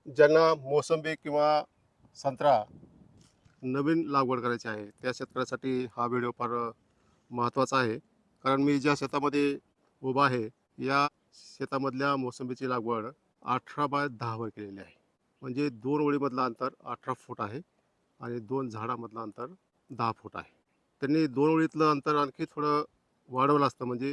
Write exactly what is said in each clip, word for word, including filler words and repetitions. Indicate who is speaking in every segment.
Speaker 1: ज्यांना मोसंबी किंवा संत्रा नवीन लागवड करायची आहे त्या शेतकऱ्यासाठी हा व्हिडिओ फार महत्त्वाचा आहे. कारण मी ज्या शेतामध्ये उभा आहे या शेतामधल्या मोसंबीची लागवड अठरा बाय दहावर केलेली आहे. म्हणजे दोन ओळीमधलं अंतर अठरा फूट आहे आणि दोन झाडामधलं अंतर दहा फूट आहे. त्यांनी दोन ओळीतलं अंतर आणखी थोडं वाढवलं असतं, म्हणजे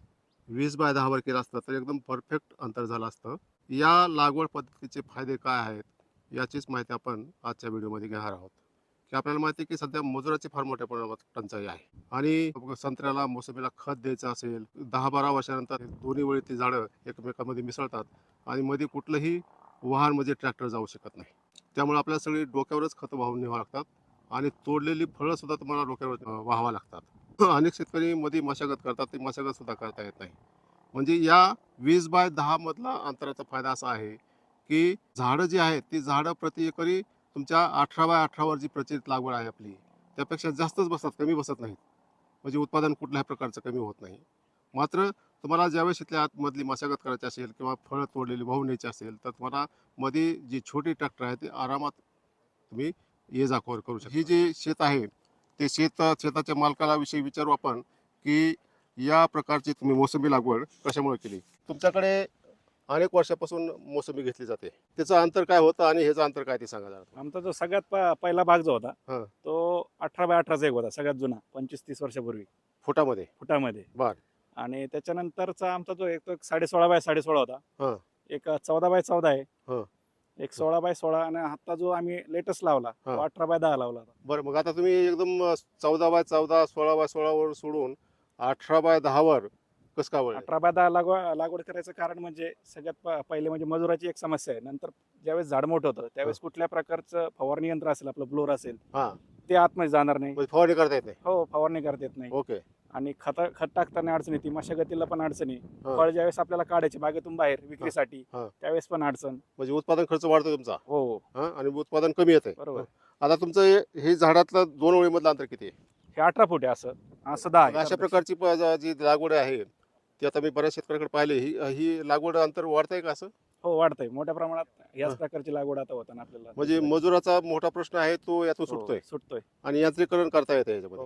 Speaker 1: वीस बाय दहावर केलं असतं तर एकदम परफेक्ट अंतर झालं असतं. या लागवड पद्धतीचे फायदे काय आहेत याचीच माहिती आपण आजच्या व्हिडिओमध्ये घेणार आहोत. की आपल्याला माहिती आहे की सध्या मजुराची फार मोठ्या प्रमाणात टंचाई आहे आणि संत्र्याला मोसंबीला खत द्यायचं असेल, दहा बारा वर्षानंतर दोन्ही वेळी ती झाडं एकमेकांमध्ये मिसळतात आणि मध्ये कुठलंही वाहन म्हणजे ट्रॅक्टर जाऊ शकत नाही. त्यामुळे आपल्याला सगळी डोक्यावरच खतं वाहून न्यावं लागतात आणि तोडलेली फळं सुद्धा तुम्हाला डोक्यावर अं, वाहावं लागतात. अनेक शेतकरी मध्ये मशागत करतात, ती मशागत सुद्धा करता येत नाही. म्हणजे या वीस बाय दहा मधला अंतराचा फायदा असा आहे की झाडं जी आहेत ती झाडं प्रति एकरी तुमच्या अठरा बाय अठरावर जी प्रचलित लागवड आहे आपली त्यापेक्षा जास्तच बसतात, कमी बसत नाहीत. म्हणजे उत्पादन कुठल्याही प्रकारचं कमी होत नाही. मात्र तुम्हाला ज्यावेळेस इथल्या आतमधली मशागत करायची असेल किंवा फळं तोडलेली वाहून न्यायची असेल तर तुम्हाला मध्ये जी छोटी ट्रॅक्टर आहे ती आरामात तुम्ही ये जा करू शकता. ही जी शेत आहे ते शेत शेताच्या मालकाला विषयी विचारू आपण की या प्रकारची तुम्ही मोसंबी लागवड कशामुळे केली. तुमच्याकडे अनेक वर्षापासून मोसंबी घेतली जाते, त्याचं अंतर काय होतं आणि ह्याचं अंतर काय ते सांगा जरा.
Speaker 2: आमचा जो सगळ्यात प- पहिला भाग जो होता
Speaker 1: हां.
Speaker 2: तो अठरा बाय अठराचा एक होता, सगळ्यात जुना, पंचवीस तीस वर्षापूर्वी
Speaker 1: फुटामध्ये.
Speaker 2: फुटामध्ये.
Speaker 1: बर.
Speaker 2: आणि त्याच्यानंतरचा आमचा जो एक तो एक साडे सोळा बाय साडे सोळा होता.
Speaker 1: हां.
Speaker 2: एक चौदा बाय चौदा आहे.
Speaker 1: हां.
Speaker 2: एक सोळा बाय सोळा आणि आता जो आम्ही लेटेस्ट लावला तो
Speaker 1: हां.
Speaker 2: अठरा बाय दहा लावला होता.
Speaker 1: बरं, मग आता तुम्ही एकदम चौदा बाय चौदा सोळा बाय सोळावर सोडून अठरा बाय दहावर कसं काय वळले?
Speaker 2: अठरा बाय दहा लागवड लागवड करायचं कारण म्हणजे सगळ्यात प- पहिले म्हणजे मजुराची एक समस्या आहे. नंतर ज्यावेळेस झाड मोठं होतं त्यावेळेस कुठल्या प्रकारचं फवारणी यंत्र असेल, आपलं ब्लोअर असेल,
Speaker 1: हां.
Speaker 2: ते आतमध्ये जाणार नाही.
Speaker 1: म्हणजे फवारणी करता येत नाही.
Speaker 2: हो, फवारणी करता येत नाही.
Speaker 1: ओके.
Speaker 2: आणि खत खत टाकताना अडचण येते, मशागतीला पण अडचणी.
Speaker 1: हां.
Speaker 2: फळ ज्यावेळेस आपल्याला काढायचे बागेतून बाहेर विक्रीसाठी
Speaker 1: हां.
Speaker 2: त्यावेळेस पण अडचण.
Speaker 1: म्हणजे उत्पादन खर्च वाढतो तुमचा.
Speaker 2: हो हो,
Speaker 1: हां, आणि उत्पादन कमी येते.
Speaker 2: बरोबर.
Speaker 1: आता तुमचं हे- हे झाडातलं दोन ओळीमधलं अंतर किती आहे?
Speaker 2: हे अठरा फूट आहे, असं असं दहा
Speaker 1: मग
Speaker 2: आहे.
Speaker 1: अशा प्रकारची प- ज- जी लागवड आहे ती आता मी बऱ्याच शेतकऱ्याकडे पाहिले, ही ही लागवड अंतर वाढतंय का असं?
Speaker 2: हो, वाढतंय मोठ्या प्रमाणात.
Speaker 1: हां.
Speaker 2: याच प्रकारची लागवड आता होताना आपल्याला
Speaker 1: म्हणजे मजुराचा मोठा प्रश्न आहे तो यातून
Speaker 2: हो,
Speaker 1: सुटतोय
Speaker 2: सुटतोय.
Speaker 1: आणि यांत्रिकरण करता येतं याच्यामध्ये.
Speaker 2: हो.